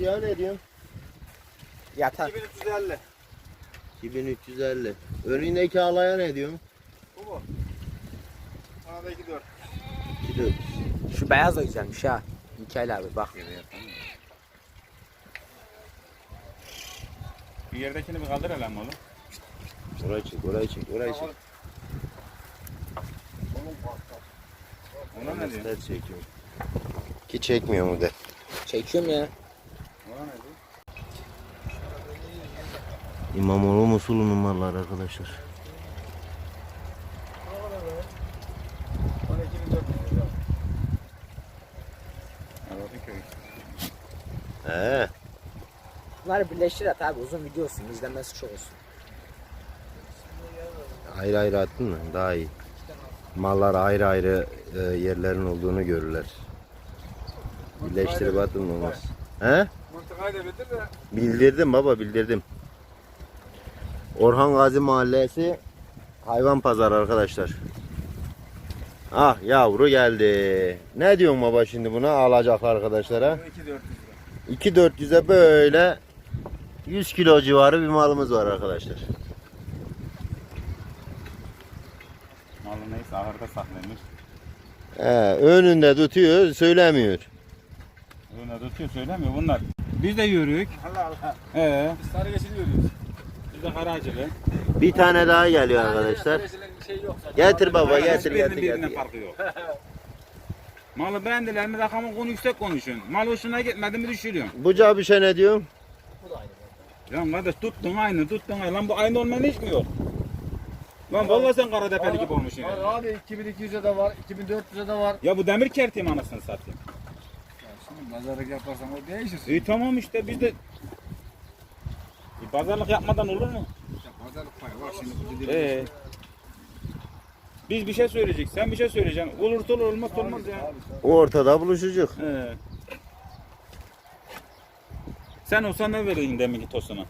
siyah ne diyorsun? Yatar. 2350. 2350. Önündeki alaya ne diyorsun? Bu mu? Bana da 24. 2400. Şu beyaz da güzelmiş ha. Mikail abi bak. Bir yerdekini bir kaldır hele oğlum. Orayı çek, orayı çek, orayı çek. Ona ne diyor? Göster çekiyorum. Ki çekmiyor mu de. Çekiyorum ya. Ona ne diyor? İmamoğlu Musul'un mallar arkadaşlar. 12400 lira. Arvadınköy. He. Bunları birleştir at abi, uzun video olsun, izlenmesi çok olsun. Ayrı ayrı attın mı? Daha iyi. Mallar ayrı ayrı yerlerin olduğunu görürler. Birleştirip atın olmaz. He? Mıntıkayı da bitir de. Bildirdim baba, bildirdim. Orhan Gazi Mahallesi hayvan pazarı arkadaşlar. Ah yavru geldi. Ne diyorsun baba şimdi buna alacak arkadaşlara? 2400 lira. 2.400'e böyle 100 kilo civarı bir malımız var arkadaşlar. Malı neyse ahırda saklamış. Önünde tutuyor, söylemiyor. Öyle tutuyor söylemiyor bunlar. Biz de yürüyük. Allah Allah. Biz Sarı geçili yürüyoruz. de Karacılı. Bir tane daha geliyor arkadaşlar. Bir şey yok zaten. Getir baba, getir Hiçbirinin getir birbirinden getir. farkı yok. Malı beğendiler mi rakamı konu yüksek konuşun. Mal hoşuna gitmedi mi düşürüyorsun. Bucağı bir şey ne diyorsun? Lan kardeş tuttun aynı tuttun aynı. Lan bu aynı olmanın hiç mi yok? Lan vallahi sen Karadepeli gibi olmuşsun. Var abi 2200'e de var, 2400'e de var. Ya bu demir kertiğim anasını satayım. Ya şimdi pazarlık yaparsan o değişir. İyi tamam işte biz de bir pazarlık yapmadan olur mu? Ya pazarlık payı var şimdi bu dediğim. Biz bir şey söyleyecek, sen bir şey söyleyeceksin. Olursa olur, olmaz olmaz ya. Ortada buluşacak. Sen olsan ne verirdin deminki tosuna?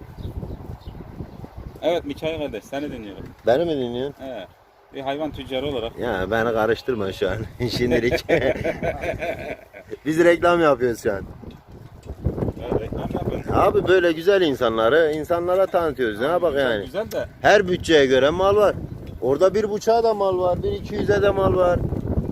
Evet Mikail kardeş, seni dinliyorum. Beni mi dinliyorsun? Bir hayvan tüccarı olarak. Ya beni karıştırma şu an. Şimdilik. Biz reklam yapıyoruz şu an. Reklam yapıyorsun. Abi böyle güzel insanları insanlara tanıtıyoruz. Ne yapak yani? Güzel de. Her bütçeye göre mal var. Orada 1.5'a da mal var, 1.200'e de mal var.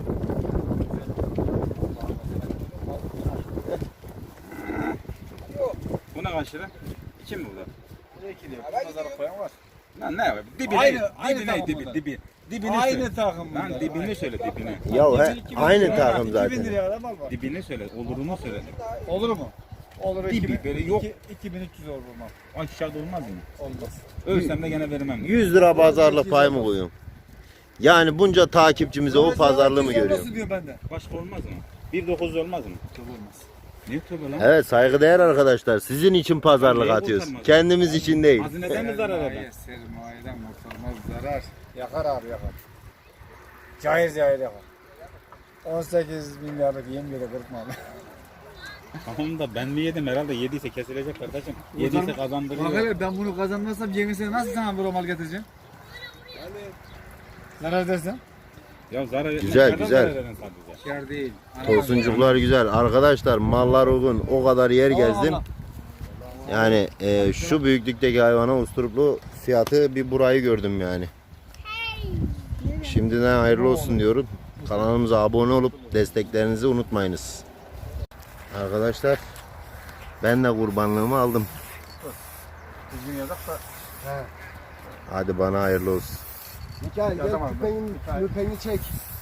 Bu ne kaç lira? 2 mi bu da? Ne ikili yok? Pazarlık payı var. Lan ne var? Dibine, Aynı dibine, takım dibi, bunlar. dibi. Dibini Aynı söyle. takım Lan bunlar. dibini söyle dibini. Ya aynı lira, takım 2000 zaten. liraya kadar mal var. Dibini söyle, olurunu söyle. Olur mu? Olur. Dibi böyle yok. 2300 olur mal. Aşağıda olmaz mı? Olmaz. Ölsem de gene vermem. 100 lira pazarlık pay mı koyuyorum? Yani bunca takipçimize o pazarlığı mı görüyorum? Nasıl diyor bende? Başka olmaz mı? 1.9 olmaz mı? Olmaz. Niye tövbe lan? Evet saygıdeğer arkadaşlar. Sizin için pazarlık Neye atıyoruz. kurtarmaz? Kendimiz için değil. Hazineden mi zarar eder? Sermayeden kurtulmaz zarar. Yakar abi yakar. Cahil yakar. 18 milyarlık yem yere kırpma abi. Tamam da ben mi yedim herhalde yediyse kesilecek kardeşim. Yediyse kazandırıyor. Bak hele ben bunu kazanmazsam yemisine nasıl sana bir mal getireceğim? Zarar dersen? Ya zarar etmez. Güzel, Nereden güzel. zarar eden sadece? Kâr değil. Tosuncuklar güzel. Arkadaşlar mallar uygun. O kadar yer gezdim. Yani şu büyüklükteki hayvana usturuplu fiyatı bir burayı gördüm yani. Şimdiden hayırlı olsun diyorum. Kanalımıza abone olup desteklerinizi unutmayınız. Arkadaşlar ben de kurbanlığımı aldım. Düzgün yazak da. Hadi bana hayırlı olsun. Mikael gel Yazamam ben. küpeni çek.